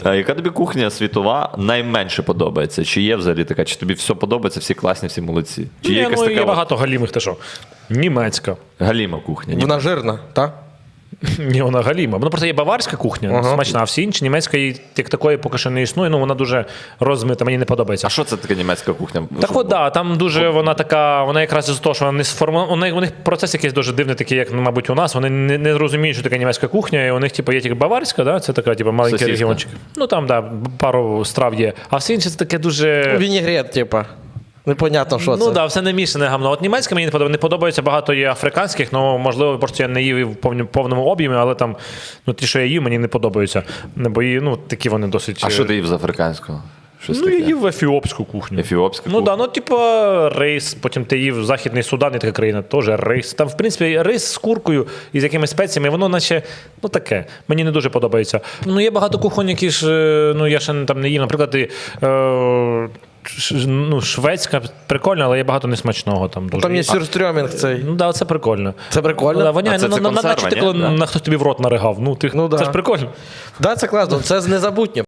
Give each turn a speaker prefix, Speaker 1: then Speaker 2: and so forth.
Speaker 1: А яка тобі кухня світова найменше подобається? Чи є взагалі така? Чи тобі все подобається, всі класні, всі молодці? Чи є якась така
Speaker 2: є багато галімих, ти що? Німецька.
Speaker 1: галіма кухня?
Speaker 3: Вона жирна, так?
Speaker 2: Ні, вона галіма. Вона просто є баварська кухня, смачна, а всі інші німецька її як такої поки що не існує, вона дуже розмита, мені не подобається.
Speaker 1: А що це таке німецька кухня?
Speaker 2: Так от, да, там дуже вона така, вона якраз із того, що вона не сформована, у них процес якийсь дуже дивний, такий, як, мабуть, у нас, вони не розуміють, що таке німецька кухня, і у них, типу, є тільки баварська, да, це така, типу, маленький
Speaker 1: Сосиска.
Speaker 2: регіончик. Ну, там, да, пару страв є. А все інше це таке дуже...
Speaker 3: Вінігрет, типа. Непонятно, що це.
Speaker 2: Ну да, все не мішане гамно. От німецьке мені не подобається, багато є африканських, ну можливо, просто я не їв в повному об'ємі, але там ті, що я їв, мені не подобаються. Бо такі вони досить.
Speaker 1: А що ти їв з африканського? Щось
Speaker 2: Ну, я
Speaker 1: таке?
Speaker 2: їв ефіопську кухню.
Speaker 1: Ефіопська
Speaker 2: Ну
Speaker 1: кухня?
Speaker 2: да, типу рис, потім ти їв Західний Судан, і така країна, теж рис. Там, в принципі, рис з куркою і з якимись спеціями, воно наче, таке. Мені не дуже подобається. Ну, є багато кухонь, які ж, я ще там не їв. Наприклад, шведська прикольна, але є багато несмачного там дуже.
Speaker 3: Там є сюрстрьомінг цей.
Speaker 2: Ну да, це прикольно.
Speaker 3: Це прикольно?
Speaker 2: Ну, да, воняє,
Speaker 1: А це консерва,
Speaker 2: наче ти
Speaker 1: ні?
Speaker 2: коли
Speaker 1: Да.
Speaker 2: хтось тобі в рот наригав.
Speaker 3: Ну, да.
Speaker 2: Це ж прикольно.
Speaker 3: Да, це класно, це незабутнє.